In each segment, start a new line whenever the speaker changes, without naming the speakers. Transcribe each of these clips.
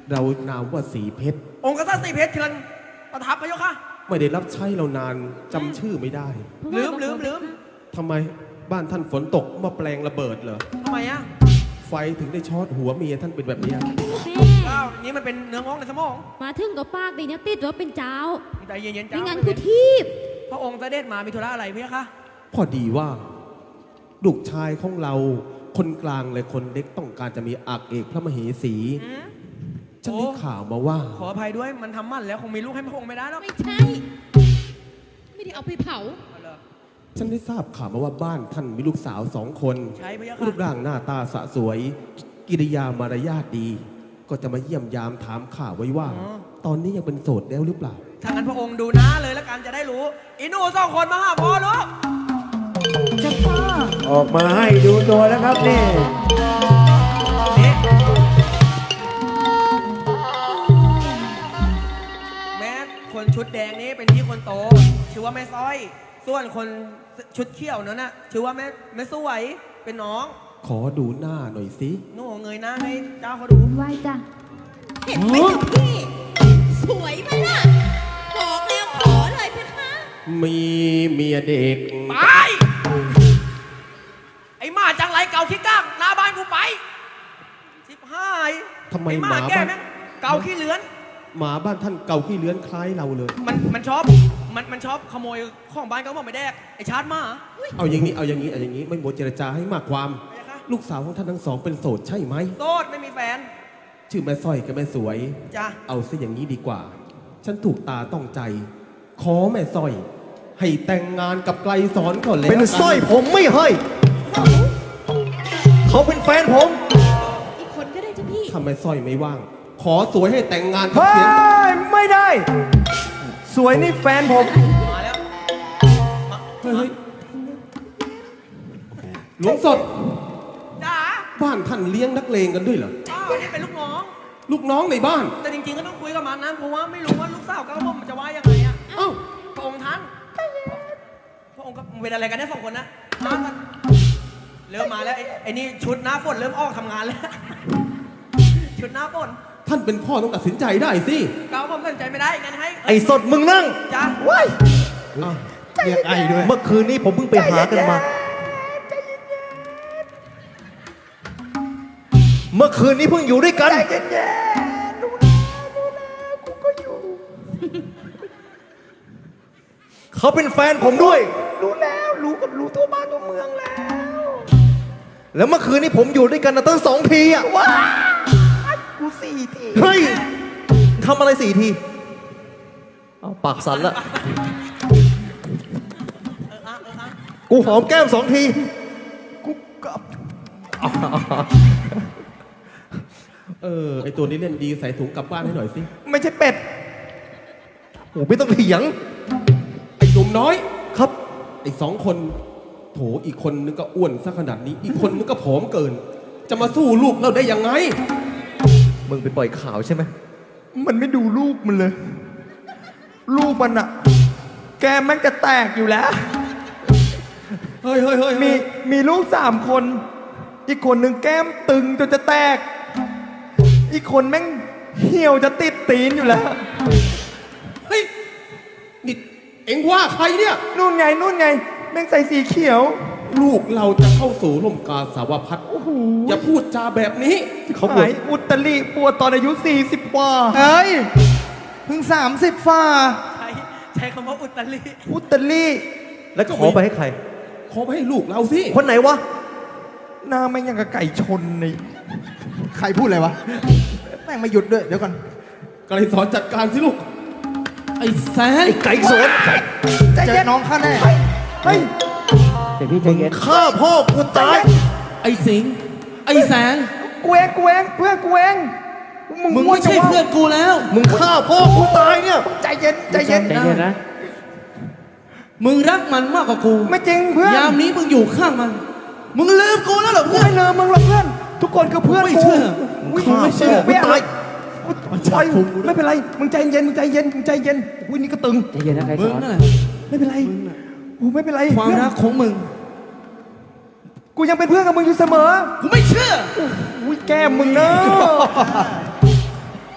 เรานามว่าสีเพชร
องค์กษัตริย์สีเพชรเชิญประทับพระเจ้าค่ะ
ไม่ได้รับใช้เรานานจำชื่อไม่ได้
ลืม
ทำไมบ้านท่านฝนตกมาแปลงระเบิดเหรอ
ทำไมอ่ะ
ไฟถึงได้ช็อตหัวเมียท่านเป็นแบบนี้
อ้าวนี่มันเป็นเนื้องอกในสมอง
มาถึงกับปากดีนะติดว่าเป็นเจ้า
ใจเย็นๆจ้า
ไม่งั้นกูทีบ
พระองค์เสด็จมามีธุระอะไรพี่คะ
พอดีว่าลูกชายของเราคนกลางและคนเล็กต้องการจะมีอักเอกพระมเหสีฉันได้ข่าวมาว่า
ขออภัยด้วยมันทำมั่นแล้วคงมีลูกให้พระองค์ไม่ได้หรอก
ไม่ใช่ไม่ได้เอาไปเผา
ฉันได้ทราบข่าวมาว่าบ้านท่านมีลูกสาว2 คน
ใช่พี่คะ
รูปร่างหน้าตาสะสวยกิริยามารยาทดี ก็จะมาเยี่ยมยามถามข่าวไว้ว่าตอนนี้ยังเป็นโสดแล้วหรือเปล่า
ถ้างั้นพระองค์ดูหน้าเลยแล้วกันจะได้รู้อีหนู2 คนมาหาพ่อลูก
จะพ่อออกมาให้ดูตัวแล้วครับนี่
แม่คนชุดแดงนี้เป็นพี่คนโตชื่อว่าแม่สร้อยส่วนคนชุดเขียวนั้นน่ะชื่อว่าแม่สวยเป็นน้อง
ขอดูหน้าหน่อยสิ
หนูเงยหน้าให้เจ้าเขาดู
ไหวจ้ะเห็นไหมจ๊ะพี่สวยไหมล่ะบอกแล้วขอเลยเพคะ
มีเมียเด็ก
ไปไอ้หมาจังไรเก่าขี้ก้างหน้าบ้านกูไปชิบหาย
ทำไมห
มาแก่ไหมเก่าขี้เลือน
หมาบ้านท่านเก่าขี้เลื้อนคล้ายเราเลย
มันชอบขโมยของบ้านเขาบอกไม่แดกไอ้ชาร์จมา
เอาอย่างนี้ไม่หมดเจรจาให้มากความลูกสาวของท่านทั้งสองเป็นโสดใช่ไหม
โสดไม่มีแฟน
ชื่อแม่สร้อยกับแม่สวย
จ้ะ
เอาซะอย่างนี้ดีกว่าฉันถูกตาต้องใจขอแม่สร้อยให้แต่งงานกับไกลสอนก่อนแล้ว
เป็นสร้อยผมไม่ให้เขาเป็นแฟนผม
อีกคนก็ได้จ้ะพี่
ทำไมสร้อยไม่ว่างขอสวยให้แต่งงาน
กับเสียงไม่ได้สวยนี่แฟนผม
มาแล้ว
เฮ้ยหลวงสด
จ้า
บ้านท่านเลี้ยงนักเลงกันด้วยเหรอ
อ้าวนี่เป็นลูก
น้องในบ้าน
แต่จริงๆก็ต้องคุยกับมันนะเพราะว่าไม่รู้ว่าลูกสาวกับผมมันจะว่ายังไงอ่ะ
เอ้า
พระองค์ท่านพระองค์ก็เป็นอะไรกันเนี่ย2 คนนะเริ่มมาแล้วไอ้นี่ชุดหน้าฝนเริ่มออกทำงานแล้วชุดหน้าฝน
ท่านเป็นพ่อต้องตัดสินใจได้สิ
เกาผมตัดสินใจไม่ได้งั้นให้
ไอ้สดมึงนั่ง
จ้า
ว้ายเรียกไอ้ด้วยเมื่อคืนนี้ผมเพิ่งไปหากันมาเมื่อคืนนี้เพิ่งอยู่ด้วยกันใจเย็นๆดูแลกูก็อยู่เขาเป็นแฟนผมด้วยรู้แล้วรู้ทั่วบ้านทั่วเมืองแล้วเมื่อคืนนี้ผมอยู่ด้วยกันตั้ง2 ทีอ่ะว้ากู4 ทีเฮ้ยทำอะไร4 ทีเอาปากสั่นละกูหอมแก้ม2 ทีกูกับ
ไอตัวนี้เล่นดีใส่ถุงกลับบ้านให้หน่อยสิ
ไม่ใช่เป็ดโหไม่ต้องเถียง
ไอหนุ่มน้อย
ครับ
ไอ2 คนโถอีกคนนึงก็อ้วนซะขนาดนี้อีกคนนึงก็ผอมเกินจะมาสู้ลูกเราได้ยังไง
มึงไปปล่อยข่าวใช่ไหมมันไม่ดูลูกมันเลยลูกมันอะแกแม่งจะแตกอยู่แล้ว
เฮ้ย
มีลูก3 คนอีกคนหนึ่งแก้มตึงจนจะแตกอีกคนแม่งเหี่ยวจะติดตีนอยู่แล้ว
เฮ้ยนี่เอ็งว่าใครเนี่ย
นู่นไงแม่งใส่สีเขียว
ลูกเราจะเข้าสู่ร่มกาสาวพัฒน์อย่าพูดจาแบบนี้
เขาบวชอุตริปวดตอนอายุ40 กว่าเฮ้ยเพิ่ง30 ฝ่า
ใช้คำว่าอุ
ตริแล้วขอไปให้ใคร
ขอไปให้ลูกเราสิ
คนไหนวะหน้าแม่งยังกับไก่ชนนี่ใครพูดอะไรวะแม่งไม่หยุดด้วยเดี๋ยวก่อน
ไก่สอนจัดการสิลูกไอ้แสน
ไอ้ไก่สอนเจอน้องข้าแน่เฮ้ยข้าพ่อกูตาย
ไอ้สิงไอ้แสน
กูเองเพื่อนกูเอง
มึงไม่ใช่เพื่อนกูแล้ว
มึงฆ่าพ่อกูตายเนี่ยใจเย็น
นะมึงรักมันมากกว่ากู
ไม่จริงเพื่อน
ยามนี้มึงอยู่ข้างมันมึงลืมกูแล้วเหรอ
เพื่อนไม่ลืมมึงหรอกเพื่อนทุกคนคือเพื่อน
ไม่เชื่อ
ไม่เชื่อกูตายไม่เป็นไรมึงใจเย็นอุ้ยนี่ก็ตึง
ใจเย็นนะใครสอน
ไม่เป็นไรไม่เป็นไร
ความรักของมึง
กูยังเป็นเพื่อนกับมึงอยู่เสมอ
กูไม่เชื่อ
อุ้ยแก้มมึงเนอะ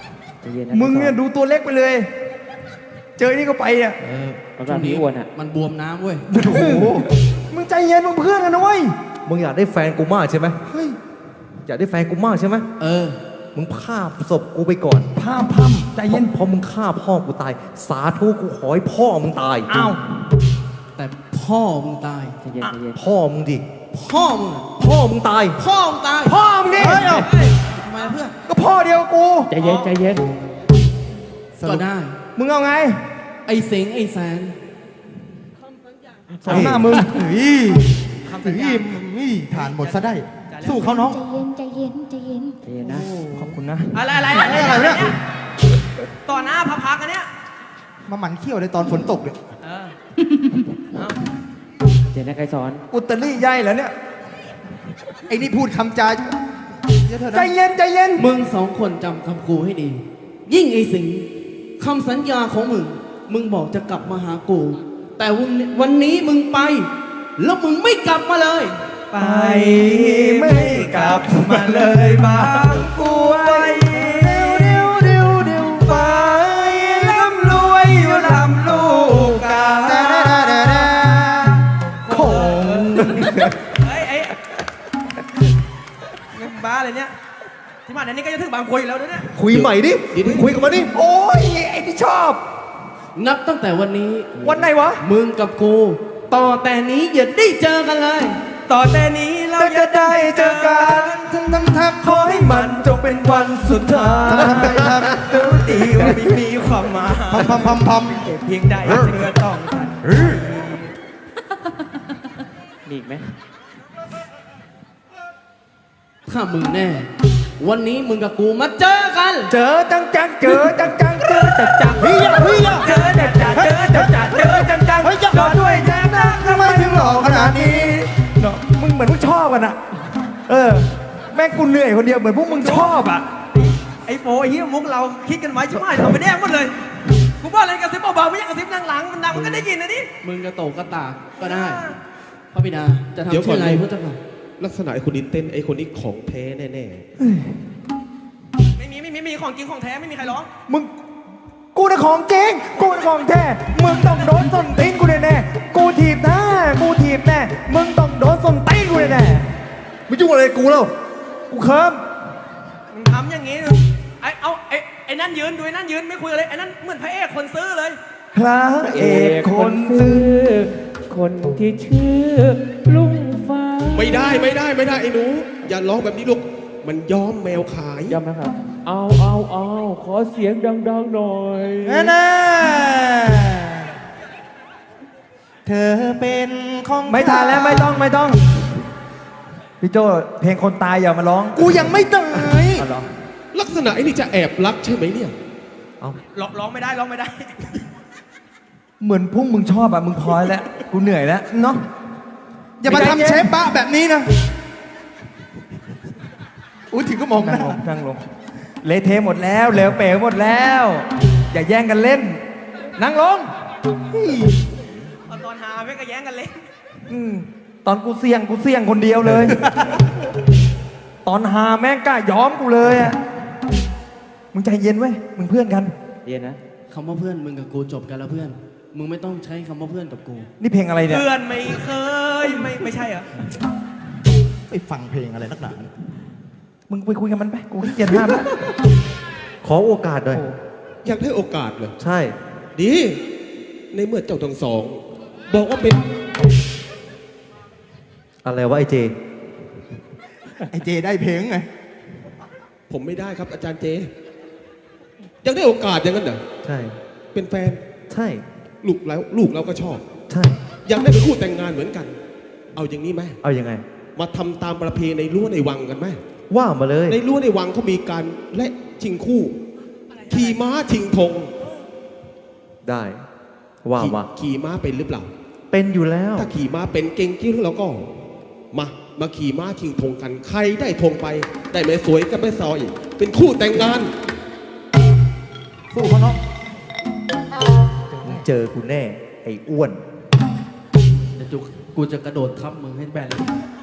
เย็นนะ
มึงเนี่ยดูตัวเล็กไปเลย เจอไอ้นี่ก็ไปอ่ะ
ช่วงนี้อ้วนอ่ะ
มันบวมน้ำเว้ย
โอ้โห มึงใจเย็นมึงเพื่อนกันนะเว้ย
มึงอยากได้แฟนกูมากใช่ไหม
เฮ้ย
อยากได้แฟนกูมากใช่ไหม
เออ
มึงฆ่าศพกูไปก่อน
พามพัมใจเย็น
เพราะมึงฆ่าพ่อกูตาย สาธุกูขอให้พ่อมึงตาย
อ้าว
แต่พ่อมึงตาย
ใจเย็นใจเย็น
พ่อมึงดิ
พ่อมึงอะ
พ่อมึงตาย
พ่อมึงตาย
พ่อมึงดิ
เฮ้ยทำไมล่ะเพื่อน
ก็พ่อเดียวกับกู
ใจเย็นใจเย็น
ก็ได้
มึงเอาไง
ไอ้สิงห์ไอ้แสน
สองหน้ามึงเฮ้ย
คำสัญญา
ฐานหมดซะได้ สู้เขาน้อง
ใจเย็นใจเย็น
ใจเย็นนะ
ขอบคุณนะ
อะไรเนี่ยต่อหน้าพักกันเนี่ย
มาหมันเขี้ยวในตอนฝนตกเนี่ย
เออเอา
เย็นนะไกรสอน
อุตรี่ใหญ่เหรอเนี่ย ไอ้นี่พูดคำจาใจเย็นใจเย็น
มึงสองคนจำคำกูให้ดี ยิ่งไอ้สิงห์คำสัญญาของมึง มึงบอกจะกลับมาหากู แต่วันนี้มึงไป แล้วมึงไม่กลับมาเลย
ไปไม่กลับมาเลยบางกรวยเดี๋ยวไปร่ำรวยอยู่ลำลูกกา
ค
ค
ง
เฮ้ยเงินบ้าเลยเนี่ยที่มาเดี๋ยวนี้ก็จะถึงบางกรวยอยู่แล้วเนี่ย
คุยใหม่ดิคุยกับมันดิ
โอ้ยไอ้ที่ชอบ
นับตั้งแต่วันนี้
วันไหนวะ
มึงกับกู ต่อแต่นี้อย่าได้เจอกันเลย
ต่อแต่นี้เราจะได้เจอกันทั้งขอให้มันจงเป็นวันสุดท้ายรู้ดีว่าไม่มีความหมาย
พัม
เพียงใดเธอต้องทัน
มีอีกไหม
ถ้ามึงแน่ วันนี้มึงกับกูมาเจอกัน
เจอจังเจอจังเจอจังเฮ้ยเฮ้ย
เจอจังรอด้วยแจ้งนะ
ทำไมถึงหล่อขนาดนี้เนาะมึงเหมือนมึงชอบกันอะแม่งกูเหนื่อยคนเดียวเหมือนพวกมึงชอบอะ
ไอ้โฟไอ้เหี้ยมุกเราคิดกันไว้ใช่ไหมทำไปแดงหมดเลยกูบอกอะไรกระซิบเบาๆไม่ใช่กระซิบหลังมันดังมันก็ได้ยินนะนี่
มึงกระโตกกระตากก็ได้ พระบิดาจะ
เดี๋ยว
ทำ
ก่อ
เช่
น
นไรพระเจ้าค่ะ
ลักษณะไอ้คนนี้เต้นไอ้คนนี้ของแท้แน่
ไม่มีของจริงของแท้ไม่มีใครร้อง
มึงกูน่ะของจริงกูน่ะของแท้มึงต้องโดนส้นตีนกูแน่ๆกูถีบแน่มึงต้องโดนส้นตีนกูแน่
ไม่ยุ่งอะไรกับกูแล้ว
ๆกูเคิม
มึงทำอย่างงี้ไอ้นั่นยืนดูไอ้นั่นยืนไม่คุยเลยไอ้นั่นเหมือนพระเอกคนซื้อเลย
พระเอกคนซื้อ
คนที่ชื่อลุงฟ้า
ๆ ไม่ได้ไอ้หนู อย่าร้องแบบนี้ลูก มันย้อมแมวขาย
ยอมนะครับ เอาขอเสียงดังๆหน่อย
แน่เธอเป็นของไม่ทันแล้วไม่ต้องพี่โจเพลงคนตายอย่ามาร้องกูยังไม่ตาย
เอาเหรอ
ลักษณะไอ้นี่จะแอบรักใช่ไหมเนี่ย
ร้องไม่ได้
เหมือนพวกมึงชอบอะมึงพอแล้วกูเหนื่อยแล้วเนาะ
อย่ามาทำเชฟบะแบบนี้นะอุ้ยถึงก็มองห
นั่
น้าง
ลงเละเทะหมดแล้วเหลวเป๋หมดแล้ว อย่าแย่งกันเล่น นั่งลง
ตอนหาไม่ก็แย่งกันเลย
ตอนกูเสี่ยงคนเดียวเลย ตอนหาแม่งกล้าย้อมกูเลยอะมึงใจเย็นไว้ยมึงเพื่อนกัน
เย็นนะ
คำว่าเพื่อนมึงกับกูจบกันแล้วเพื่อน มึงไม่ต้องใช้คำว่าเพื่อนกับกู
นี่เพลงอะไรเนี่ย
เพื่อนไม่เคยไม่ใช่เหรอ
ไปฟังเพลงอะไรนักหนา
มึงไปคุยกับมันไปกูขี้เกียจห้ามแล้ว
ขอโอกาสหน่อย
อยากได้โอกาสเลย
ใช่
ดี ในเมื่อเจ้าทั้งสอง บอกว่าเป็น
อะไรวะไอเจ
ไอเจได้เพลงไง
ผมไม่ได้ครับอาจารย์เจ อยากได้โอกาสอย่างนั้นเหรอ
ใช่
เป็นแฟน
ใช่
ลูกเราก็ชอบ
ใช่
อยากได้เป็นคู่แต่งงานเหมือนกัน เอาอย่างนี้ไหม
เอายังไง
มาทำตามประเพณีในรั้วในวังกันไหม
ว่ามาเลย
ในรั้วในวังเขามีการและชิงคู่ ขี่ม้าชิงธง
ได้ ว่ามา
ขี่ม้าเป็นหรือเปล่า
เป็นอยู่แล้ว
ถ้าขี่ม้าเป็นเก่งกิ้งแล้วก็ มาขี่ม้าชิงธงกัน ใครได้ธงไป ได้แม่สวยกับแม่ซอย เป็นคู่แต่งงาน
สู้เขาเนาะ
มึงเจอกูแน่ ไอ้อ้วน
เดี๋ยวกูจะกระโดดทับมึงให้แบนเลย